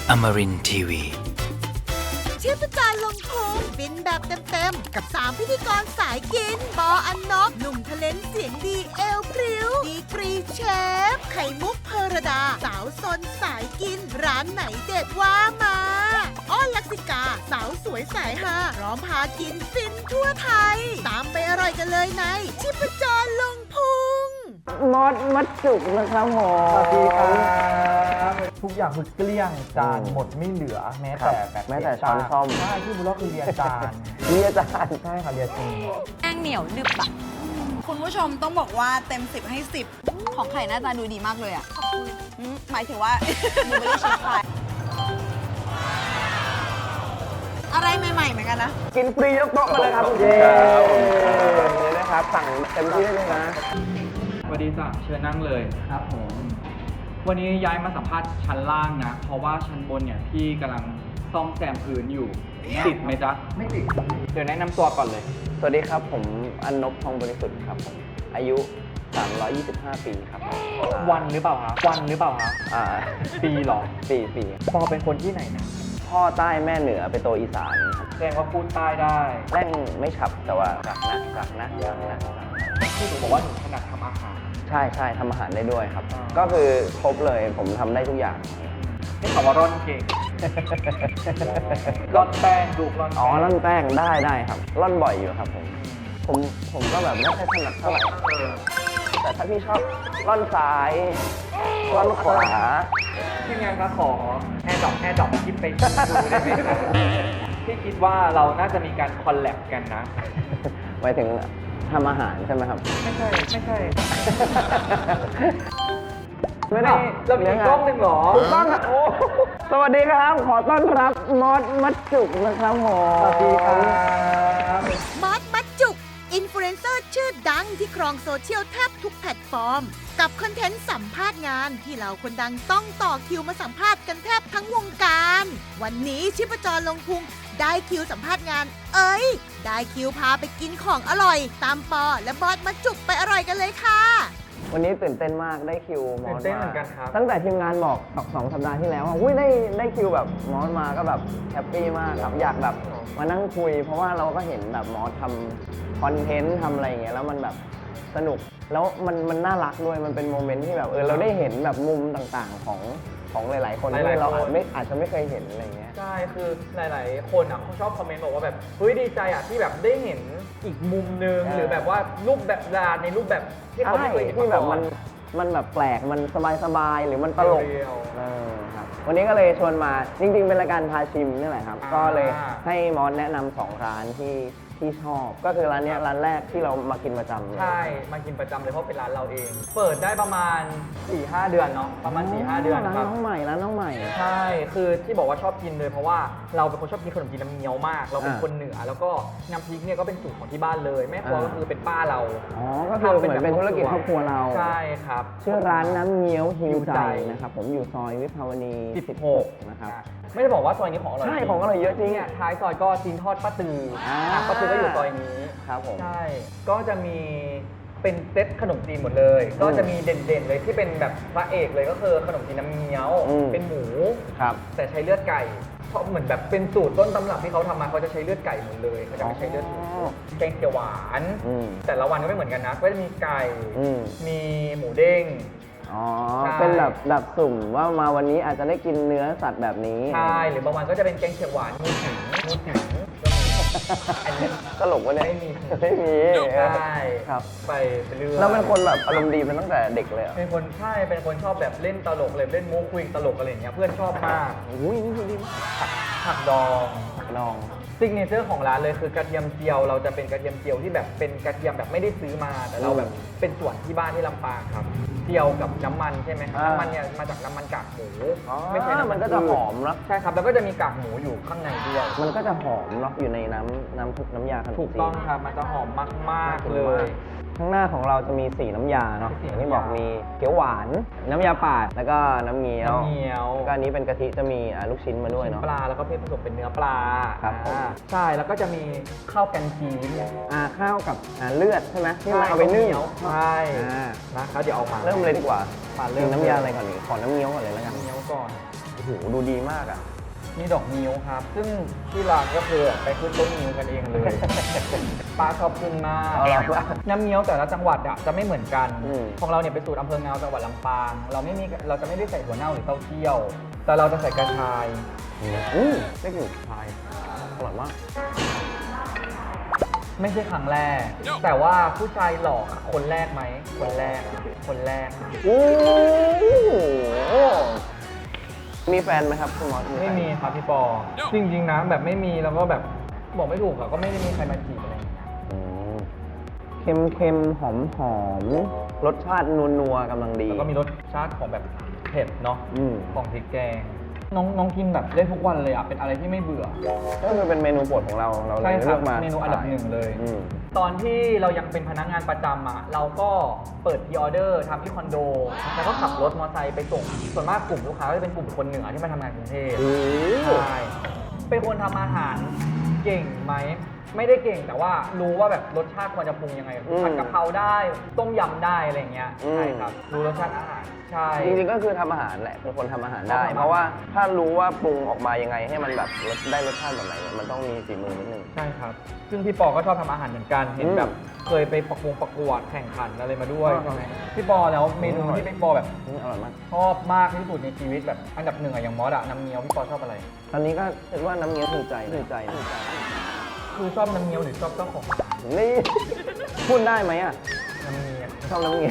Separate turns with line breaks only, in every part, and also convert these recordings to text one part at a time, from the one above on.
Amarin Tiwi
ชีพจรลงพุงบินแบบเต็มๆกับ3พิธีกรสายกินปออันนบหนุ่มทะเลนเสียงดีเอลพริ้วดีกรีเชฟไข่มุกเพรดาสาวซนสายกินร้านไหนเด็ดว่ามาอ้อนลักษิกาสาวสวยสายฮาพร้อมพากินฟินทั่วไทยตามไปอร่อยกันเลยในชีพจรลงพุง
มัดจุกนะครับผม
สวัสดีครับทุกอย่างคือเกลี้ยงจานหมดไม่เหลือแม้แต่
ช้อนส้อม
ใช่ที่บุญรอดคือเรียนจาน
เรียจาน
ใช่ค่ะเรียนจริง
แป้งเหนียวหนึบอะคุณผู้ชมต้องบอกว่าเต็ม10ให้10ของไข่หน้าตาดูดีมากเลยอะหมายถึงว่า หนูไม่ได้ชิมไปอะไรใหม่ๆเหมือนกันนะ
กินฟรียกโต๊ะมาเลยครับเย้นี่นะครับสั่งเต็มที่ได้เลยนะ
สวัสดีจ้ะเชิญนั่งเลย
ครับผม
วันนี้ย้ายมาสัมภาษณ์ชั้นล่างนะ เพราะว่าชั้นบนเนี่ยพี่กำลังซ่อมแซมพื้นอยู่ติดไหมจ๊ะ
ไม่ติด
เดี๋ยวแนะนำตัวก่อนเลย
สวัสดีครับผมอันนบทองบริสุทธิ์ครับผมอายุ 325 ปีครับ
วันหรือเปล่าคะวันหรือเปล่าคะ ปีเหรอ
ปี
ปอเป็นคนที่ไหนนะ
พ่อใต้แม่เหนือไปโตอีสานครับ
แสดงว่าพูดใต้ได้
แร่งไม่ฉับแต่ว่ากักนะ
ที่หนูบอกว่าหนูถนัดทำอาหาร
ใช่ทำอาหารได้ด้วยครับ
อ่า
ก็คือครบเลยผมทำได้ทุกอย่าง
นี่คำว่าร่อนเก่ง ร่อนแป้งดูร่อน
อ๋อร่อนแป้งได้ครับร่อนบ่อยอยู่ครับผมก็แบบไม่ค่อยถนัดเท่าไหร่แต่ถ้าพี่ชอบร่อนซ้ายร่อนขวา
ทีมงานคะขอแอร์ดรอปคิดไปดูได้ไหมคะพี่คิดว่าเราน่าจะมีการคอลแลบกันนะ
หมายถึงทำอาหารใช่ไหมครับ
ไม่ใช่
ไม่ได้
เรามีอีกกล้องหนึ่งเหรอ
ถูกต้องครับสวัสดีครับ ขอต้อนรับมัดจุกนะครับผม
สวัสดีครับ
มอสมัดจุก อินฟลูเอนเซอร์ชื่อดังที่ครองโซเชียลแทบทุกแพลตฟอร์ม กับคอนเทนต์สัมภาษณ์งานที่เหล่าคนดังต้องต่อคิวมาสัมภาษณ์กันแทบทั้งวงการ วันนี้ชิปจรลงพุงได้คิวสัมภาษณ์งาน ได้คิวพาไปกินของอร่อย ตามปอและบอสมัดจุกไปอร่อยกันเลยค่ะ
วันนี้ตื่นเต้นมากได้คิวมอส
ตื่นเต้นเหมือนกันครับ
ตั้งแต่ทีมงานบอก2 สัปดาห์ที่แล้วว่าอุ้ยได้คิวแบบมอสมาก็แบบแฮปปี้มากครับอยากแบบมานั่งคุย เพราะว่าเราก็เห็นแบบมอสทำคอนเทนต์ทำอะไรอย่างเงี้ยแล้วมันแบบสนุกแล้วมันน่ารักด้วยมันเป็นโมเมนต์ที่แบบเราได้เห็นแบบมุมต่างๆของหลายๆคนที่เราอาจจะไม่เคยเห็นอะไรเงี้ย
ใช่ คือหลาย ๆ คนอ่ะเขาชอบคอมเมนต์บอกว่าแบบเฮ้ยดีใจอ่ะที่แบบได้เห็นอีกมุมนึง หรือแบบว่ารูปแบบดาในรูปแบบที่เขาไม่เคยเห็น
ที่
มา
แบบ
ก่อน
มันแบบแปลกมันสบายๆหรือมันตลก
เรียว
ครับวันนี้ก็เลยชวนมาจริงๆเป็นรายการพาชิมนี่แหละครับ
อ่า
ก็เลยให้มอสแนะนำ2 ร้านที่ชอบ ก็คือร้านเนี้ยร้านแรกที่เรามากินประจำเลย
ใช่มากินประจำเลยเพราะเป็นร้านเราเอง เปิดได้ประมาณ 4-5 เดือนเนาะประมาณ 4-5 เดือน
ร้าน
ครับ
น้องใหม่ร้านน้องใหม่
ใช่ คือที่บอกว่าชอบกินเลยเพราะว่าเราเป็นคนชอบกินขนมจีนน้ำเงี้ยวมาก เราเป็นคนเหนือ แล้วก็น้ำพริกเนี่ยก็เป็นสูตรของที่บ้านเลย แม่ครัวก็คือเป็นป้าเรา
อ๋อก็คือเหมือนเป็นธุรกิจครอบครัวเรา
ใช่ครับ
ชื่อร้านน้ำเงี้ยวฮิวใจ
ฮิวใจ
นะครับผมอยู่ซอยวิภาวดี
16
นะครับ
ไม่ได้บอกว่าซอยนี้ของอร่อย
ใช่ของอร่อยเยอะจริง
เนี่ยท้ายซอยก็จีนทอดป้าตือป้าตือก็อยู่ซอยนี้
ครับผม
ใช่ ก็จะมีเป็นเซตขนมจีนหมดเลย ก็จะมีเด่นๆเลยที่เป็นแบบพระเอกเลยก็คือขนมจีนน้ำเงี้ยว เป็นหมู
ครับ
แต่ใช้เลือดไก่ เพราะเหมือนแบบเป็นสูตรต้นตำรับที่เขาทำมาเขาจะใช้เลือดไก่หมดเลยเขาจะไม่ใช้เลือดหมูแกงเขียวหวาน แต่ละวันก็ไม่เหมือนกันนะ ก็จะมีไก่ มีหมูเด้ง
อ๋อ
ใช่
เป็นแบบสุ่มว่ามาวันนี้อาจจะได้กินเนื้อสัตว์แบบนี้
ใช่ หรือบางวันก็จะเป็นแกงเขียวหวานงูสิงก็มีอันนี้
ตลกวะเนี่ย
ไม่มี
ไม่มี
ใช่
ครับ
ไปเรื่อย
เราเป็นคนแบบอารมณ์ดีมาตั้งแต่เด็กเลยเหรอ
เป็นคนใช่เป็นคนชอบแบบเล่นตลกเลยเล่นมุกคุยตลกอะไรอย่างเงี้ยเพื่อนชอบมาก
อุ้ยนี่คือดีมาก
ผักดอง
ลอง
ซิกเนเจอร์ของร้านเลยคือกระเทียมเจียวเราจะเป็นกระเทียมเจียวที่แบบเป็นกระเทียมแบบไม่ได้ซื้อมาแต่เราแบบเป็นส่วนที่บ้านที่ลำปางครับเจียวกับน้ำมันใช่ไหมครับน้ำมันเนี่ยมาจากน้ำมันกากหมูไม่ใช่น้ำ
มันก็จะหอมเนาะ
ใช่ครับแล้วก็จะมีกากหมูอยู่ข้างในด้วย
มันก็จะหอมเนาะอยู่ในน้ำยาขนมจีน
ถูกต้องครับมันจะหอมมากๆเลย
ข้างหน้าของเราจะมี4 น้ำยาเนาะ
สี่
อย่างที่
น้ำยา
บอกมีเกี๊ยวหวาน น้ำยาป่าดแล้วก็น้ำเงี้ยว
น้ำเงี้ยว
ก็อันนี้เป็นกะทิจะมีลูกชิ้นมาด้วยเนาะ
ปลาแล้วก็ผสมเป็นเนื้อปลา
ครับผม
ใช่แล้วก็จะมีข้าวแกงจีน
ข้าวกับเลือดใช่ไหมที่มันเอาไปนึ่ง
ใช่
อ่า
นะครับเดี๋ยวเอามา
เริ่มเลยดีกว่า
มาเริ่ม
กินน้ำยาอะไรก่อนดีขอน้ำเงี้ยวก่อนเลยแล้วกัน
น้ำเงี้ยวก่อน
โหดูดีมากอ่ะ
มีดอกนิ้วครับ ซึ่งที่ร้านก็คือไปขึ้นต้นนิ้วกันเองเลย ป้าชอบกินมาก
เอาล่ะ
น้ำเงี้ยวแต่ละจังหวัดจะไม่เหมือนกัน
อืม
ของเราเนี่ยเป็นสูตรอำเภอเงาจังหวัดลำปาง เราจะไม่ได้ใส่ถั่วเน่าหรือเต้าเจี้ยว แต่เราจะใส่กระชาย
ได้กลิ่นชายอร่อยมาก
ไม่ใช่ครั้งแรก แต่ว่าผู้ชายหลอกอะคนแรกไหม คนแรก คนแรก
โอ้โหมีแฟนไหมครับคุณมอส
ไม่มีครับพี่ปอ จริงๆนะแบบไม่มีแล้วก็แบบบอกไม่ถูกอะก็ไม่ได้มีใครมาจีบอะไรอย่างเงี้ย
เค็มเค็มๆหอมหอมๆรสชาตินัวๆกำลังดี
แล้วก็มีรสชาติของแบบเผ็ดเนาะ
อืม
ของพริกแกง น้องกินแบบได้ทุกวันเลยอ่ะ เป็นอะไรที่ไม่เบื่อ
ก็คือเป็นเมนูโปรดของเราเล
ใช่
ย
ค
เลื
รั
อบ กมา
เมนูอันดับหนึ่งเลย
อืม
ตอนที่เรายังเป็นพนักงานประจำอ่ะ เราก็เปิดพรีออเดอร์ทำที่คอนโด แล้วก็ขับรถมอเตอร์ไซค์ไปส่ง ส่วนมากกลุ่มลูกค้าก็จะเป็นกลุ่มคนเหนือที่มาทำงานกรุงเทพ ใช่ เป็นคนทำอาหารเก่งไหม ไม่ได้เก่งแต่ว่ารู้ว่าแบบรสชาติควรจะปรุงยังไง ผัดกะเพราได้ ต้มยำได้อะไรอย่างเงี้ย ใช่ครับ รู้รสชาติอาหาร ใช่
จริงๆก็คือทำอาหารแหละเป็นคนทำอาหารได้
ทำอาหาร
เพราะว่าถ้ารู้ว่าปรุงออกมายังไงให้มันแบบได้รสชาติแบบไหนเนี่ยมันต้องมีฝีมือนิดนึง
ใช่ครับ ซึ่งพี่ปอก็ชอบทำอาหารเหมือนกัน เห็นแบบเคยไปประกวดแข่งขันอะไรมาด้วย
อ๋อ
ใช่ไหมพี่ปอแล้วเมนูที่พี่ปอแบบ
อร่อยมาก
ชอบมากที่สุดในชีวิตแบบอันดับหนึ่งอะอย่างมอสอะน้ำเงี้ยวพี่ปอชอบอะไร
ตอนนี้ก็คิดว่าน้ำเงี้ยวถูกใจ
คือชอบน้ำเงี้ยวหรือชอบเจ้าของร้าน
นี่พูดได้ไหมอ่ะ
น้ำเงี้ยว
ชอบน้ำเงี้ยว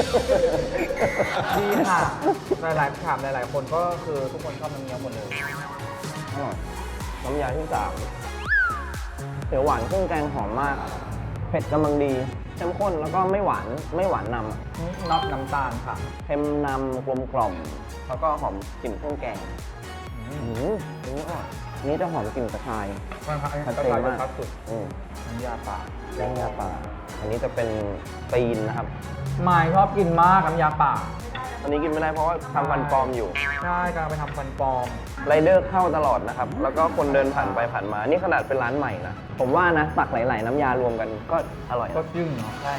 ดีค่ะหลายๆถามหลายๆคนก็คือทุกคนชอบน้ำเงี้ยวหมดเลย
อร่อยน้ำยาที่สามเขียวหวานเครื่องแกงหอมมาก เผ็ดกำลังดีเข้มข้นแล้วก็ไม่หวานนำอะ
นี่น็อตน้ำตาลค่ะ
เค็มนำกลมกล่อมแล้วก็หอมกลิ่นเครื่องแกง
อืม
อันนี้อร่อยอันนี้จะหอมกลิ่นกระชาย
มันพัก
ชัด
ก็
เจน
ใช้
มาก
ชัดสุด
อืม
น้ำยาป่า
แกงยาป่า อันนี้จะเป็นตีนนะครับ
มายชอบกินมากน้ำยาป่า
อันนี้กินไม่ได้เพราะว่าทำฟันปลอมอยู่
ใช่กำลังไปทำฟันปลอม
ไรเดอร์เข้าตลอดนะครับ แล้วก็คนเดินผ่านไปผ่านมา นี่ขนาดเป็นร้านใหม่นะ ผมว่านะตักหลาย ๆ น้ำยารวมกันก็อร่อย
ก็
นะ
จึ้งเนาะ
ใช่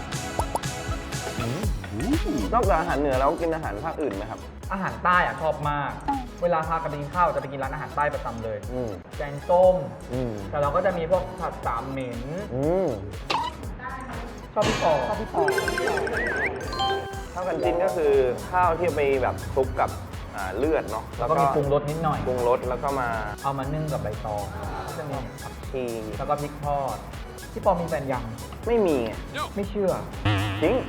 นอกจากอาหารเหนือแล้วกินอาหารภาคอื่นไหมครับ
อาหารใต้อะชอบมาก เวลาพากันไปกินข้าวจะไปกินร้านอาหารใต้ประจำเลย
อืม
แกงส้ม
อืม
แต่เราก็จะมีพวกผัดสามเหม็น
อืม
ชอบพี่ปอ
ข้าวกันจิ้นก็คือข้าวที่เอาไปแบบคลุกกับเลือดเนาะ
แล้วก็มีปรุงรสนิดหน่อย
ปรุงรสแล้วก็มา
เอามานึ่งกับใบตองจะมี
ผักชี
แล้วก็พริกทอด พี่ปอมีแฟนยัง
ไม่มีไง
ไม่เชื่อ
จริง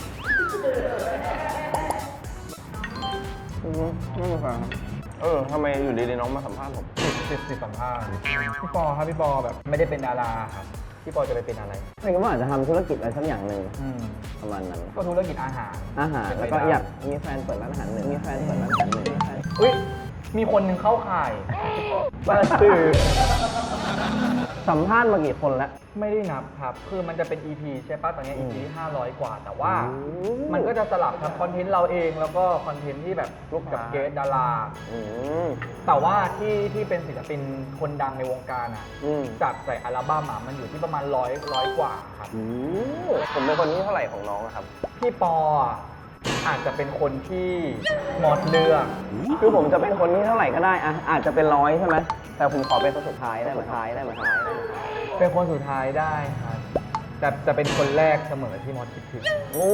ไม่มีครับทำไมอยู่ดีๆน้องมาสัมภาษณ์ผม
สิบสัมภาษณ์พี่ปอครับพี่ปอแบบไม่ได้เป็นดาราครับ พี่ปอจะไปเป็นอะไร
ไม่ก็ว่าอาจจะทำธุรกิจอะไรสักอย่างหนึ่ง
อืม
ประมาณนั้น
ก็ธุรกิจอาหาร
แล้วก็อยากมีแฟนเปิดร้านอาหารหนึ่งมีแฟนเปิดร้านอาหารหนึ่ง
อุ้ยมีคนหนึ่งเข้าข่าย
บ้าสื่อสัมภาษณ์มากี่คนแล้ว
ไม่ได้นับครับ คือมันจะเป็น EP ใช่ปะตอนนี้ EP ที่500 กว่า แต่ว่า
อืม
มันก็จะสลับทั้งคอนเทนต์เราเอง แล้วก็คอนเทนต์ที่แบบลูกกับเกสดารา
อืม
แต่ว่าที่เป็นศิลปินคนดังในวงการอ่ะ
อืม
จัดใส่อัลบั้มอะมันอยู่ที่ประมาณร้อยกว่าครับ
ผมเป็นคนที่เท่าไหร่ของน้องอะครับ
พี่ปออะอาจจะเป็นคนที่มอดเลือก
คือผมจะเป็นคนที่เท่าไหร่ก็ได้อะอาจจะเป็นร้อยใช่ไหมแต่ผมขอเป็นคนสุดท้ายได้ไหมได้ไหม
เป็นคนสุดท้ายได้ครับ แต่จะเป็นคนแรกเสมอที่มอดคิดถึง
โอ้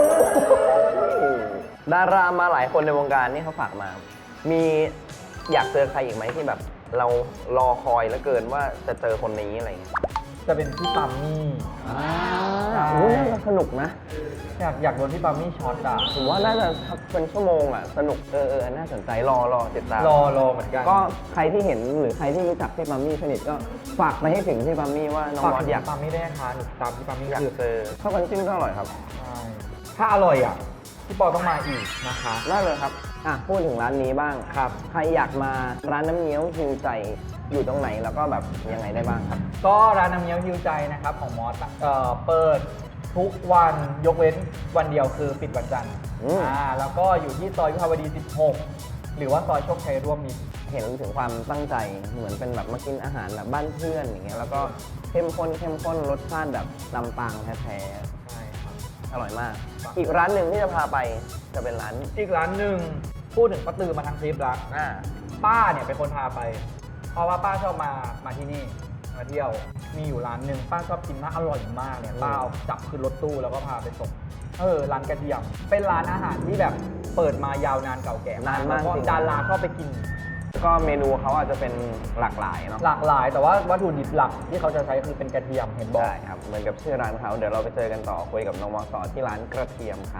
ดารามาหลายคนในวงการนี่เขาฝากมา มีอยากเจอใครอีกไหมที่แบบ เรารอคอยแล้วเกินว่าจะเจอคนนี้อะไรเงี้ย
จะเป็นพี่ปามี่ ใช่
โอ้ยน่าจะสนุกนะ
อยากโดนพี่ปามี่ช็อตอ่ะ
ผมว่าน่าจะเป็นชั่วโมงอ่ะ สนุกน่าสนใจรอติดตาม
รอเหมือนกัน
ก็ใครที่เห็นหรือใครที่รู้จักพี่ปามี่สนิทก็ฝากไปให้ถึงพี่ปามี่ว่าน้อง
ฝาก
มอส
ถึง
อยาก
พี่ปามี่ได้นะคะหนูตามพี่ปามี่
อยาก
คือ
เจอข้าวกันจิ้มก็อร่อยครับ
ใช่ถ้าอร่อยอ่ะพี่ปอต้องมาอีกนะคะ
ได้เลยครับพูดถึงร้านนี้บ้างครับ ใครอยากมาร้านน้ำเงี้ยวฮิวใจอยู่ตรงไหนแล้วก็แบบยังไงได้บ้างครับ
ก็ร้านน้ำเงี้ยวฮิวใจนะครับของมอสเปิดทุกวันยกเว้นวันเดียวคือปิดวันจันทร์ แล้วก็อยู่ที่ซอยวิภาวดี 16 หรือว่าซอยโชคชัยร่วมมิตร
เห็นถึงความตั้งใจเหมือนเป็นแบบมากินอาหารแบบบ้านเพื่อนอย่างเงี้ยแล้วก็เข้มข้นรสชาติแบบลำปางแท้
ใช่ครับ
ๆอร่อยมาก อีกร้านหนึ่งที่จะพาไปจะเป็นร้าน
อีกร้านหนึ่งพูดถึงป้าตือมาทางคลิปละ
อ่า
ป้าเนี่ยเป็นคนพาไป เพราะว่าป้าชอบมาที่นี่มาเที่ยวมีอยู่ร้านหนึ่งป้าชอบกินมากอร่อยมากเนี่ยป้าเอาจับขึ้นรถตู้แล้วก็พาไปส่งร้านกระเทียมเป็นร้านอาหารที่แบบเปิดมายาวนานเก่าแก่
นานมาก
แล้ว
จริง
ดาราชอบไปกิน
ก็เมนูเขาอาจจะเป็นหลากหลายเนาะ
หลากหลายแต่ว่าวัตถุดิบหลักที่เขาจะใช้คือเป็นกระเทียมเห็นบอก
ใช่ครับเหมือนกับชื่อร้านเขาเดี๋ยวเราไปเจอกันต่อคุยกับน้องมอสที่ร้านกระเทียมครับ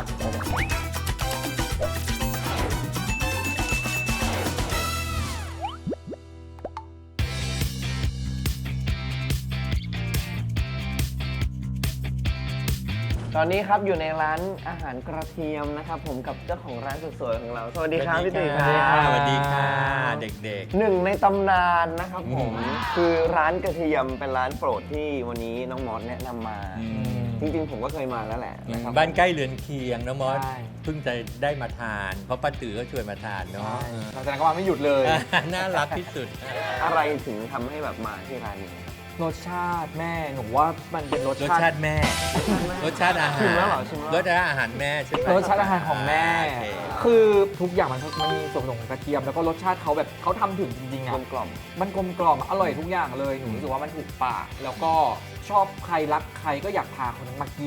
ตอนนี้ครับอยู่ในร้านอาหารกระเทียมนะครับผมกับเจ้าของร้านสุดสวยของเรา สวัสดีครับพี่ติ๋ว
สวัสดีค่ะเด็ก
หนึ่งในตำนานนะครับผมคือร้านกระเทียมเป็นร้านโปรดที่วันนี้น้องมอสแนะนำมา จริงๆผมก็เคยมาแล้วแหละนะครับ
บ้านใกล้เรือนเคียงนะมอส
ใช่
เพิ่งจะได้มาทาน เพราะป้าตือก็ชวนมาทานเนาะ
หลังจากนั้นก็มาไม่หยุดเลย
น่ารักที่สุด
อะไรถึงทำให้แบบมาที่ร้านนี้
รสชาติแม่หนูว่ามันเป็นรส
รส
ชา
ชา
ติ
ติแม่ รสชาติอาหาร
ชิมแล้วเหรอชิมแล้ว
รสชาติอาหารแม่ใช่ไหม
รสชาติอาหารของแม่
โอเค
คือทุกอย่างมันมีส่วนผสมของกระเทียมแล้วก็รสชาติเขาแบบเขาทำถึงจริงๆ
กล
อ่ะ
มกล่อม
มันกลมกล่อมอร่อยทุกอย่างเลยหนูรู้สึกว่ามันถูกปากแล้วก็ชอบใครรักใครก็อยากพาคนนั้นมากิน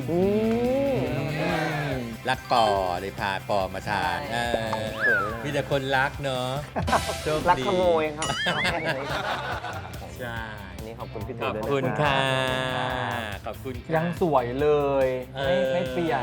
รักปอเลยพาปอมาทาน
ใช่
เออมีแต่คนรักเนาะโชค
รัก
ดี
ขโมยครับเอาแค่นี้ครับ
ใช่
วันนี้ขอบคุณพี่
ข
ติ๋ว
อบ
ด้วยนะ
คุณ
รับ
ค่ะ ขอบคุณค่ะ
ยังสวยเลย
เอ
ไม่
อ
เปลี่ยน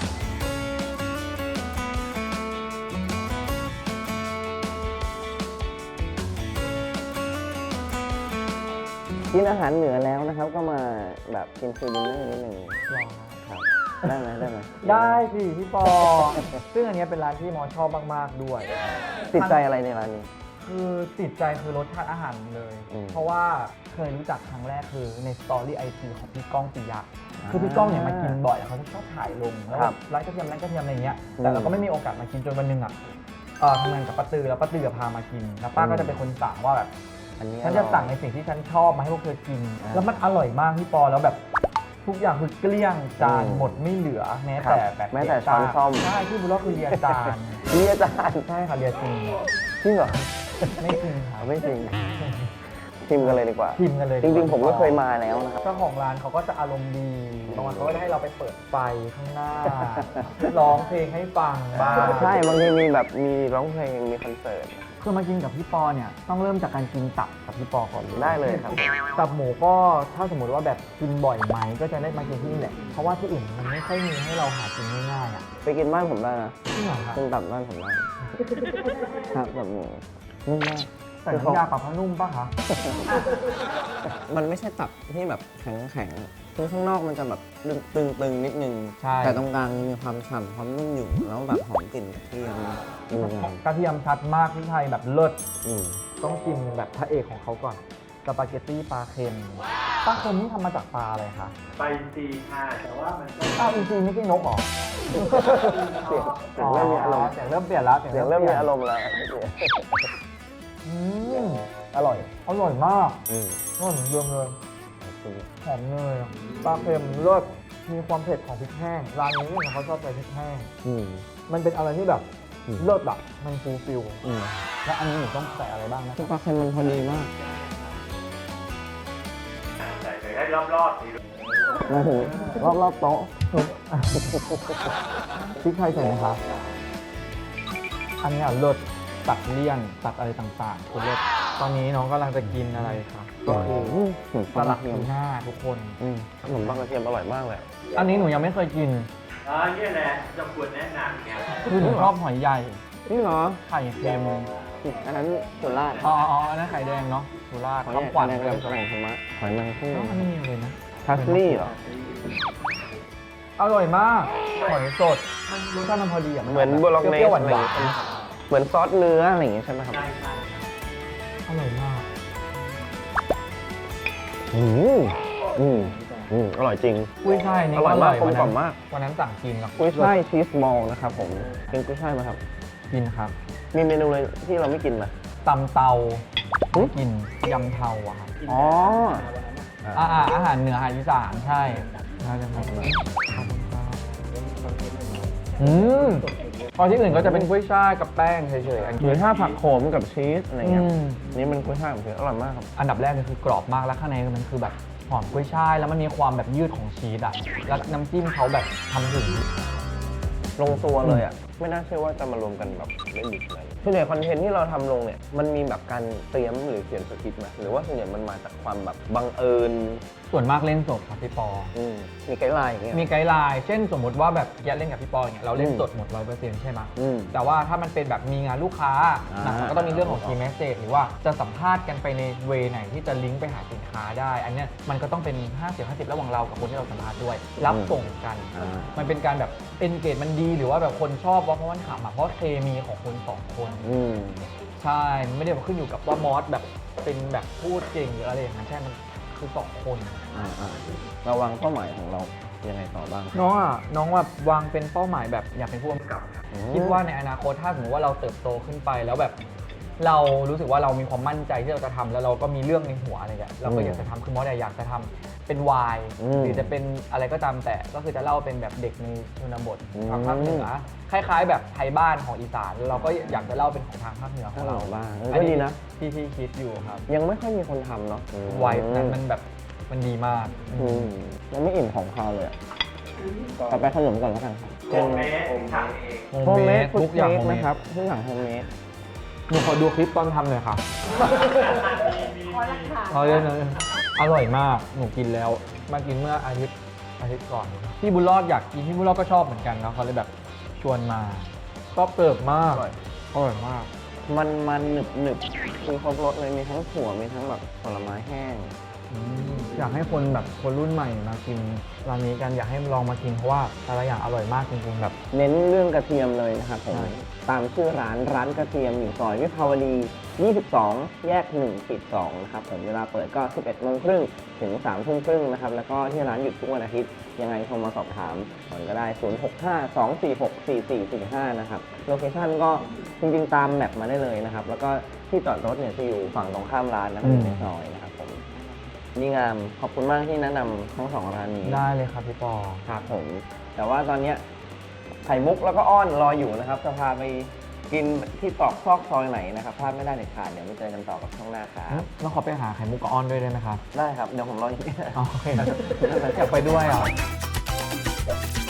กินอาหารเหนือแล้วนะครับก็มาแบบกินฟิลดินเนอร์นิดนึงครับได้ไหมได้ไหม
ได้สิพี่ปอ ซึ่งอันเนี้ยเป็นร้านที่มอชอบมากๆด้วย
ติดใจอะไรในร้านนี้
คือติดใจคือรสชาติอาหารเลย
อืม
เพราะว่าเคยรู้จักครั้งแรกคือในสตอรี่ไอจีของพี่ก้องปิยะคือพี่ก้องเนี่ยมากินบ่อยเขาจะชอบถ่ายลงแล้ว
ครับ
ร้านกระเทียมอะไรเงี้ย
อืม
แต่เราก็ไม่มีโอกาสมากินจนวันหนึงอ่ะทำงานกับป้าตือแล้วป้าตือพามากินแล้วป้าก็จะเป็นคนสั่งว่าแบบ
อันนี้
ฉันจะสั่งในสิ่งที่ฉันชอบมาให้พวกเธอกิน
อ่า
แล้วมันอร่อยมากพี่ปอแล้วแบบทุกอย่างคือเกลี้ยงจานหมดไม่เหลือแม้แต่แบบ
แม้แต่ช้อนส้อม
ใช่ที่บุญรอดคือเรียจาน
นี่อาจารย์
ใช่ค่ะเรียจริง
จริงเหรอ
ไม่จริงค่ะ
ไม่จริงชิมกันเลยดีกว่า
พิมพ์กันเลย
จริงๆผมก็เคยมาแล้วนะครับ
เจ้าของร้านเขาก็จะอารมณ์ดีบางวันเขาก็จะให้เราไปเปิดไฟข้างหน้า ร้องเพลงให้ฟังบ้าง
ใช่บางทีมีแบบมีร้องเพลงมีคอนเสิร์ต
คือมากินกับพี่ปอเนี่ยต้องเริ่มจากการกินตับกับพี่ปอก่อน
ได้เลยครับ
ตับหมูก็ถ้าสมมติว่าแบบกินบ่อยไหมก็จะได้มากินที่นี่แหละเพราะว่าที่อื่นมันไม่ค่อยมีให้เราหากินง่ายๆอ่ะ
ไปกินบ้านผมได้นะ
จริงเหรอครับ
ซึ่งตับบ้านผมได้ครับแบบหมูนุ่มมาก
ใส่น้ำยาปรับผ้านุ่มป่ะคะ
มันไม่ใช่ตับที่แบบแข็งๆคือข้างนอกมันจะแบบตึงๆนิดนึง
ใช่
แต่ตรงกลางมีความฉ่ำความนุ่มอยู่ แล้วแบบหอมกลิ่นกระเทียม
กระเทียมชัดมากพี่ไทยแบบเลิศ
อืม
ต้องกินแบบพระเอกของเขาก่อนสปาเกตตี้ปลาเค็มปลาเค็มนี่ทำมาจากปลาอะไรคะ
ไปซีค่ะแต่ว่ามันก็
อ้าวอินทรีไม่ใช่นกเหรอ
เสียงเริ่มมีอารมณ์
เสียงเริ่มเปลี่ยนแล้ว
เสียงเริ่มมีอารมณ์แล้ว
อืมอร่อยมาก
อืม
อร่อยเหมือนเดิมเลยหอมเนยปลาเค็มเลิศมีความเผ็ดของพริกแห้งร้านนี้เนี่ยเขาชอบใส่พริกแห้ง
อืม
มันเป็นอะไรที่แบบ
อืม
เลิศอะมันฟูลฟิล
อืม
แล้วอันนี้หนูต้องใส่อะไรบ้างนะ
คือปลาเค็มมันพอดีมาก
ใส่ไปให้รอบๆสิ
มาถึงรอบๆโต๊ะ
พริกไทยใส่ไหมคะอันนี้เลิศตัดเลี่ยนตัดอะไรต่างๆคือเลิศตอนนี้น้องกำลังจะกินอะไรคะก็คือ สลัดทูน่าทุกคน
ขนมปังกระเทียมอร่อยมากเลย
อันนี้หนูยังไม่เคยกิน
เนี่ยแหละจะควรแนะนำไง
คือหนูชอบหอยใหญ่
นี่เหรอ
ไข่เค็ม
อันนั้นสุราษฎร์
อ๋ออันนั้นไข่แดงเนาะสุราษฎร์
หอย
ข้าวขวัญ
แดง
เลย
กับแหล่งธรรมะหอยนางรม
แล้วอันนี้มีอะไรนะ
ทัสลี่เหรอ
อร่อยมาก หอยสดรสชาติมันพอดีอ่ะ
เหมือนโบโลเน
เปรี้ยว
ส
ๆห
อะไร
วา
อย่าง
น
เงี้ยเหมือนซอสเนื้ออะไรอย่างเงี้ยใช่ไหมครับ
ๆอร่อยมาก
อืมอร่อยจริง
กุ้ยช่ายนี่
อร่อยมากกลม
วัน
กล่
นั้
อน มมาก
วันนั้นสั่งกินแล้ว
กุ้ยช่ายชีสบอลนะครับผมกินกุ้ยช่ายไหมครับ
กินครับ
มีเมนูอะไรที่เราไม่กินไหม
ตำเตา
หึ
กินยำเทาอะครับ
อ๋อ
อาหารเหนืออาหารอีสานใช่ใช่ครับขอบคุณครับ
พอที่อื่นก็จะเป็นกุ้ยช่ายกับแป้งเฉยๆอัน
หรือถ้าผักโขมกับชีสอะไรเงี้ย
อืม
นี่มันกุ้ยช่ายกับชีสอร่อยมากครับ
อันดับแรกเลยคือกรอบมากแล้วข้างในมันคือแบบหอมกุ้ยช่ายแล้วมันมีความแบบยืดของชีสอ่ะแล้วน้ำจิ้มเขาแบบทำถึง
ลงตัวเลยอ่ะ ไม่น่าเชื่อว่าจะมารวมกันแบบได้ดีขนาดนี้ส่วนใหญ่คอนเทนต์ที่เราทำลงเนี่ยมันมีแบบการเตรียมหรือเขียนสคริปต์ไหมหรือว่าส่วนใหญ่มันมาจากความแบบบังเอิญ
ส่วนมากเล่นสดครับพี่ปอ
มีไกด์ไลน์อย่างเงี้ย
มีไกด์ไลน์เช่นสมมุติว่าแบบแกเล่นกับพี่ปออย่างเงี้ยเราเล่นสดหมด 100% ใช่ไหม
อืม
แต่ว่าถ้ามันเป็นแบบมีงานลูกค้า
อ่า
มันก็ต้องมีเรื่องของ key message หรือว่าจะสัมภาษณ์กันไปในเวไหนที่จะลิงก์ไปหาสินค้าได้ อันเนี้ยมันก็ต้องเป็น 50-50 ระหว่างเรากับคนที่เราสัมภาษณ์ด้วย รับส่งกัน มันเป็นการแบบ engage มันดีหรือว่าแบบคนชอบเพราะมันขำอะเพราะเคมีของคนสองคน ใช่มันไม่ได้ขึ้นอยู่กับว่ามอสแบบเป็นแบบพูดเก่งหรืออะไรอย่างนั้นใช่มันคือสองคน
เราวางเป้าหมายของเรายังไงต่อบ้าง
น้องว่าวางเป็นเป้าหมายแบบอยากเป็นผู้กำกับ คิดว่าในอนาคตถ้าสมมติว่าเราเติบโตขึ้นไปแล้วแบบ เรารู้สึกว่าเรามีความมั่นใจที่เราจะทำแล้วเราก็มีเรื่องในหัวอะไรอย่างเงี้ยเราก็อยากจะทำคือมอสอยากจะทำเป็นวายหรือจะเป็นอะไรก็ตามแต่ก็คือจะเล่าเป็นแบบเด็กในชนบททางภาคเหนือคล้ายๆ แบบไทยบ้านของอีสานเราก็อยากจะเล่าเป็นของทางภาคเหนือของเรา
บ้างก็ดีนะ
ที่คิดอยู่ครับ
ยังไม่ค่อยมีคนทำเนาะ
ไวท์นั้นมันแบบมันดีมาก
ยังไม่อิ่มของคาวเลยอะต่อไปขนมก่อนแล้วกันครับ
โฮมเมดทำเอง
โฮมเมดทุ
ทุ
ก
ก
อ
อย่าง
ย่าง
โฮมเม
นะ
ด
ครับทุกอย่างโฮมเมด
หนูขอดูคลิปตอนทำเลยค่ะเอาเลยอร่อยมากหนูกินแล้วมากินเมื่ออาทิตย์ก่อนพี่บุญรอดอยากกินพี่บุญรอดก็ชอบเหมือนกันเนาะเขาเลยแบบชวนมาก็เปิบมากอร่อยมาก
มันหนึบคือครบรสเลยมีทั้งถั่วมีทั้งแบบผลไม้แห้ง
อยากให้คนแบบคนรุ่นใหม่มากินร้านนี้กันอยากให้ลองมากินเพราะว่าแต่ละอย่างอร่อยมากจริงๆแบบ
เน้นเรื่องกระเทียมเลยนะครับผม
ใช่
ตามชื่อร้านกระเทียมอยู่ซอยวิภาวดี 22 แยก 1 ปิด 2 นะครับผมเวลาเปิดก็ 11 โมงครึ่งถึง 3 ทุ่มครึ่งนะครับ แล้วก็ที่ร้านหยุดทุกวันอาทิตย์ ยังไงโทรมาสอบถามก่อนก็ได้ 065-246-4445 นะครับ โลเคชั่นก็จริงๆ ตามแมปมาได้เลยนะครับ แล้วก็ที่จอดรถเนี่ยจะอยู่ฝั่งตรงข้ามร้านนะครับอยู่ในซอยนะครับผมนี่งามขอบคุณมากที่แนะนำทั้งสองร้านนี้
ได้เลยครับพี่ปอ
ครับผม แต่ว่าตอนเนี้ยไข่มุกแล้วก็อ้อนรออยู่นะครับ จะพาไปกินที่ตอกซอกซอยไหนนะครับพลาดไม่ได้เด็ดขาดเดี๋ยวไปเจอกันต่อกับช่วงหน้าครับ
แล้วขอไปหาไข่มุกกับอ้อนด้วยได้ไหมครับ
ได้ครับ เดี๋ยวผมรออยู่
อ๋อโอเคอยากไปด้วยอ่ะ